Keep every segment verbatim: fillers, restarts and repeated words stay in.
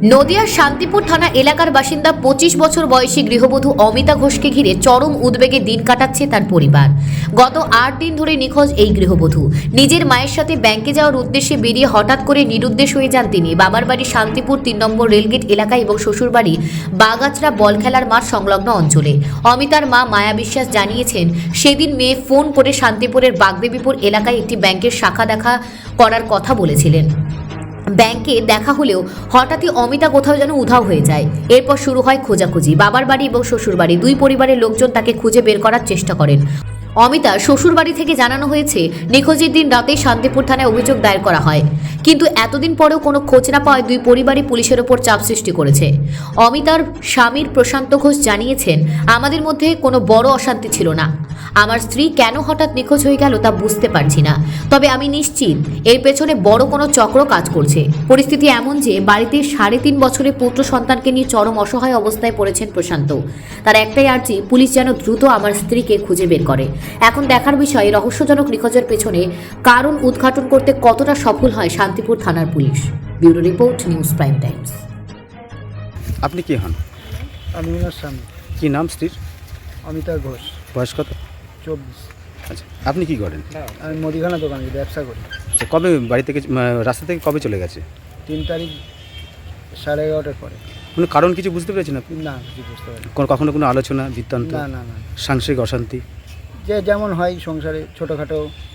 নদিয়ার শান্তিপুর থানা এলাকার বাসিন্দা পঁচিশ বছর বয়সী গৃহবধূ অমিতা ঘোষকে ঘিরে চরম উদ্বেগে দিন কাটাচ্ছে তার পরিবার। গত আট দিন ধরে নিখোঁজ এই গৃহবধূ। নিজের মায়ের সাথে ব্যাংকে যাওয়ার উদ্দেশ্যে বেরিয়ে হঠাৎ করে নিরুদ্দেশ হয়ে যান তিনি। বাবার বাড়ি শান্তিপুর তিন নম্বর রেলগেট এলাকায় এবং শ্বশুরবাড়ি বাগাচড়া বল খেলার মাঠ সংলগ্ন অঞ্চলে। অমিতার মা মায়া বিশ্বাস জানিয়েছেন, সেদিন মেয়ে ফোন করে শান্তিপুরের বাগদেবীপুর এলাকায় একটি ব্যাংকের শাখা দেখা করার কথা বলেছিলেন। ব্যাংকে দেখা হলেও হঠাৎই অমিতা কোথাও যেন উধাও হয়ে যায়। এরপর শুরু হয় খোঁজাখুঁজি। বাবার বাড়ি এবং শ্বশুরবাড়ি দুই পরিবারের লোকজন তাকে খুঁজে বের করার চেষ্টা করেন। অমিতার শ্বশুরবাড়ি থেকে জানানো হয়েছে, নিখোঁজের দিন রাতেই শান্তিপুর থানায় অভিযোগ দায়ের করা হয়, কিন্তু এতদিন পরেও কোনো খোঁজ না পাওয়ায় দুই পরিবারই পুলিশের ওপর চাপ সৃষ্টি করেছে। অমিতার স্বামীর প্রশান্ত ঘোষ জানিয়েছেন, আমাদের মধ্যে কোনো বড় অশান্তি ছিল না। আমার স্ত্রী কেন হঠাৎ নিখোঁজ হয়ে গেল তা বুঝতে পারছি না, তবে আমি নিশ্চিত এর পেছনে বড় কোনো চক্র কাজ করছে। পরিস্থিতি এমন যে বাড়িতে সাড়ে তিন বছরের পুত্র সন্তানকে নিয়ে চরম অসহায় অবস্থায় পড়েছেন প্রশান্ত। তার একটাই আর্জি, পুলিশ যেন দ্রুত আমার স্ত্রীকে খুঁজে বের করে। এখন দেখার বিষয়, রহস্যজনক নিখোঁজের পেছনে কারণ উদ্ঘাটন করতে কতটা সফল হয় শান্তিপুর থানার police. Bureau report, news prime times. আপনি কি হন? আমি ওনার স্বামী। কি নাম স্ত্রীর? অমিতা ঘোষ। বয়স কত? চব্বিশ। আচ্ছা, আপনি কি করেন? আমি মুদিখানা দোকানে ব্যবসা করি। আচ্ছা, কবে বাড়ি থেকে আহ, রাস্তা থেকে কবে চলে গেছে? তিন তারিখ সাড়ে এগারোটার পরে। কোনো কারণ কিছু বুঝতে পেরেছেন আপনি? না, কিছু বুঝতে পারি কোনো কখনো কোনো আলোচনা বৃত্তান্ত? না না না সাংসারিক অশান্তি যে যেমন হয় সংসারে ছোটোখাটো।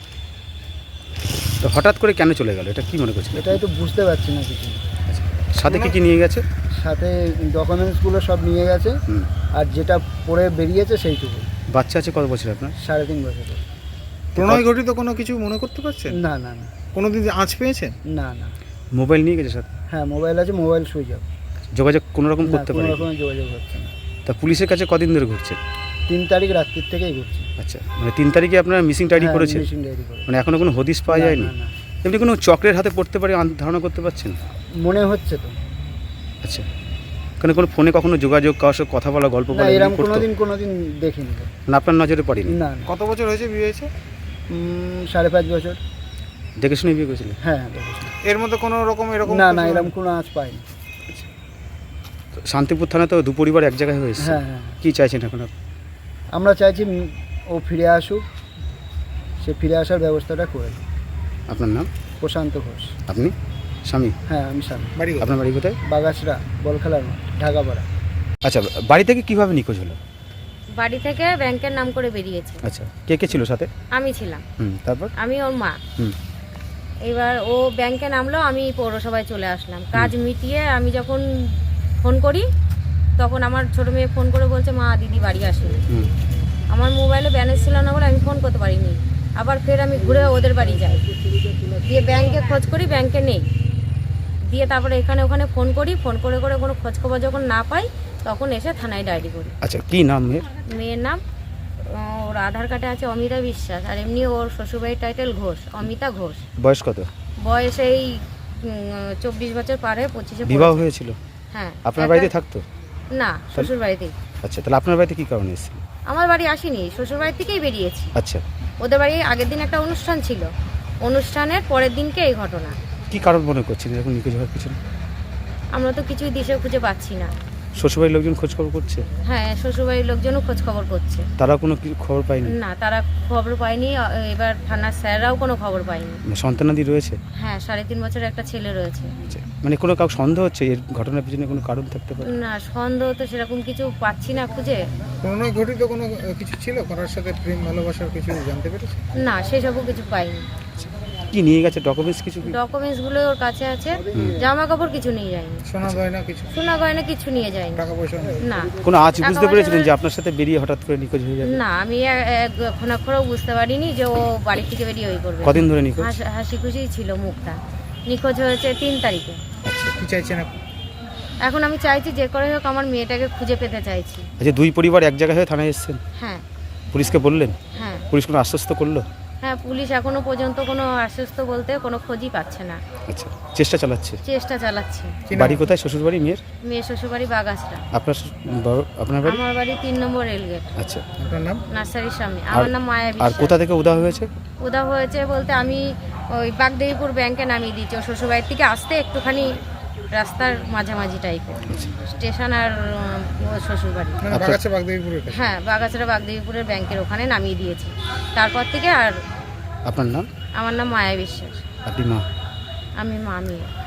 তো হঠাৎ করে কেন চলে গেল, এটা কি মনে করছেন? এটাই তো বুঝতে পারছি না কিছু। আচ্ছা, সাথে কি কি নিয়ে গেছে? সাথে ডকুমেন্টসগুলো সব নিয়ে গেছে, হুম। আর যেটা পরে বেরিয়েছে সেইটুকু। বাচ্চা আছে কত বছর আপনার? সাড়ে তিন বছর। প্রণয় ঘটিত কোনো কিছু মনে করতে পারছেন? না না না কোনো দিন আঁচ পেয়েছেন? না না মোবাইল নিয়ে গেছে সাথে? হ্যাঁ, মোবাইল আছে, মোবাইল সুইচ অফ। যোগাযোগ কোনো রকম করতে কোনো পারে? রকমের যোগাযোগ হচ্ছে না। তা পুলিশের কাছে কদিন ধরে ঘুরছে? তিন তারিখ রাত্রির থেকেই ঘুরছি। আচ্ছা, মানে তিন তারিখে আপনার মিসিং ডায়েরি হ্যাঁ, করেছে? মিসিং ডায়েরি করে। মানে এখনো কোনো হদিশ পাওয়া না, যায়নি? না, না। এমনি কোনো চক্রের হাতে পড়তে পারে আন- ধারণা করতে পারছেন? মনে হচ্ছে তো। আচ্ছা, কারণ কোনো ফোনে কখনো যোগাযোগ, কারোর সাথে কথা বলা, গল্প না, বলা এরকম করতো? কোনোদিন কোনোদিন দেখিনি তো। না, আপনার নজরে পড়েনি? না না। কত বছর হয়েছে বিয়ে হয়েছে? উম, সাড়ে পাঁচ বছর। দেখে শুনে বিয়ে করেছিলেন? হ্যাঁ হ্যাঁ, দেখেছি। এর মধ্যে কোনো রকম এরকম না না, কিছু- এরকম কোনো আঁচ পাইনি। তো শান্তিপুর থানা তো দু পরিবার এক জায়গায় হয়েছে, হ্যাঁ হ্যাঁ, কি চাইছেন এখন আপনি? আমরা চাইছি উম, ও ফিরে আসুক, সে ফিরে আসার ব্যবস্থাটা করে দিই। আপনার নাম? প্রশান্ত ঘোষ। আপনি স্বামী? হ্যাঁ, আমি স্বামী। বাড়ি কোথায়? আপনার বাড়ি কোথায়? বাগাসরা বল খেলার মাঠ, ঢাকাপাড়া। আচ্ছা, বাড়ি থেকে কিভাবে নিখোঁজ হলো? বাড়ি থেকে ব্যাংকের নাম করে বেরিয়েছে। আচ্ছা, কে কে ছিল সাথে? আমি ছিলাম, হুম, তারপর? আমি ওর মা। হুম। এবার ও ব্যাংকে নামলো, আমি পৌরসভায় চলে আসলাম। কাজ মিটিয়ে আমি যখন ফোন করি, তখন আমার ছোটো মেয়ে ফোন করে বলছে, মা দিদি বাড়ি আসেনি। হুম। আমার মোবাইলে ব্যালেন্স ছিল না বলে আমি ফোন করতে পারিনি। আবার ফের আমি ঘুরে ওদের বাড়ি যাই, দিয়ে ব্যাংকে খোঁজ করি, ব্যাংকে নেই। দিয়ে তারপরে এখানে ওখানে ফোন করি, ফোন করে করে কোনো খোঁজ খবর যখন না পাই, তখন এসে থানায় ডায়েরি করি। আচ্ছা, কি নাম মেয়ের? মেয়ের নাম, আহ, ওর আধার কার্ডে আছে অমিতা বিশ্বাস, আর এমনি ওর শ্বশুরবাড়ির টাইটেল ঘোষ, অমিতা ঘোষ। বয়স কত? বয়স এই চব্বিশ বছর পার হয়ে পঁচিশে বিবাহ পড়েছে। হয়েছিল? হ্যাঁ। আপনার একটা- বাড়িতে থাকতো? না, শ্বশুর বাড়িতেই। আচ্ছা, তাহলে আপনার বাড়িতে কি কারণে এসেছিল? আমার বাড়ি আসিনি, শ্বশুর বাড়ি থেকেই বেরিয়েছি। আচ্ছা, ওদের বাড়ি আগের দিন একটা অনুষ্ঠান ছিল, অনুষ্ঠানের পরের দিনকে এই ঘটনা। কি কারণ মনে করছেন এরকম নিখোঁজ হওয়ার পিছনে? আমরা তো কিছুই দিশে খুঁজে পাচ্ছি না। শ্বশুরবাড়ির লোকজন খোঁজ খবর করছে? হ্যাঁ, শ্বশুরবাড়ির লোকজনও খোঁজ খবর করছে। তারা কোনো কি খবর পায়নি? না, তারা খবর পায়নি। আ, এবার থানার স্যাররাও কোনো খবর পায়নি। মানে সন্তানাদি রয়েছে? হ্যাঁ, সাড়ে তিন বছরের একটা ছেলে রয়েছে। আচ্ছা, মানে কোনো কাউ সন্দেহ হচ্ছে এর ঘটনার পিছনে কোনো কারণ থাকতে পারে? না, সন্দেহ তো সেরকম কিছু পাচ্ছি না খুঁজে। প্রণয় ঘটিত কোনো আহ, কিছু ছিল, কারোর সাথে প্রেম ভালোবাসার কিছু জানতে পেরেছে? না, সেসবও কিছু পাইনি। কি নিয়ে গেছে, ডকুমেন্টস কিছু কি? ডকুমেন্টসগুলো ওর কাছে আছে, জামা কাপড় কিছু নিয়ে যায়নি, সোনা গয়না কিছু, সোনা গয়না কিছু নিয়ে যায়নি। টাকা পয়সা নেই? না কোনো আজ টাকা বুঝতে পয়সা পেরেছিলেন না- যে আপনার সাথে বেরিয়ে হঠাৎ করে নিখোঁজ হয়ে যাবে? না, আমি এখন এখনও বুঝতে পারিনি যে ও বাড়ি থেকে বেরিয়ে ওই করবে। কদিন ধরে নিখোঁজ? হাসি- হাসি খুশি ছিল মুখটা। নিখোঁজ হয়েছে তিন তারিখে। আচ্ছা, কি চাইছেন আপনি? এখন আমি চাইছি যে করে হোক আমার মেয়েটাকে খুঁজে পেতে চাইছি। আচ্ছা, দুই পরিবার এক জায়গায় হয়ে থানায় এসেছেন, হ্যাঁ পুলিশকে বললেন? হ্যাঁ পুলিশ কোনো আশ্বস্ত করলো? হ্যাঁ, পুলিশ এখনো পর্যন্ত কোনো আশ্বস্ত বলতে কোনো খোঁজই পাচ্ছে না। আচ্ছা, চেষ্টা চালাচ্ছে? চেষ্টা চালাচ্ছে। কি নাম? বাড়ি কোথায় শ্বশুরবাড়ি মেয়ের? মেয়ে শ্বশুরবাড়ি বাগাসরা। আপনার শ্বশুর- বড়- আপনার বাড়ি? আমার বাড়ি তিন নম্বর রেলগেট, আচ্ছা, আপনার নাম? নার্সারির সামনে। আমার নাম মায়া আর বিশ্বাস। কোথা থেকে উদা হয়েছে? উদা হয়েছে বলতে আমি ওই বাগদেবীপুর ব্যাংকে নামিয়ে দিয়েছি। ও শ্বশুরবাড়ির থেকে আসতে একটুখানি রাস্তার মাঝামাঝি টাইপের, স্টেশন আর উম, ওর শ্বশুরবাড়ি। মানে বাগাচ্ছে বাগদেবীপুরের কাছে। হ্যাঁ, বাগাছড়া বাগদেবীপুরের ব্যাংকের ওখানে নামিয়ে দিয়েছে। তারপর থেকে আর আপনার নাম? আমার নাম মায়া বিশ্বাস, আপনি মা? আমি মামি।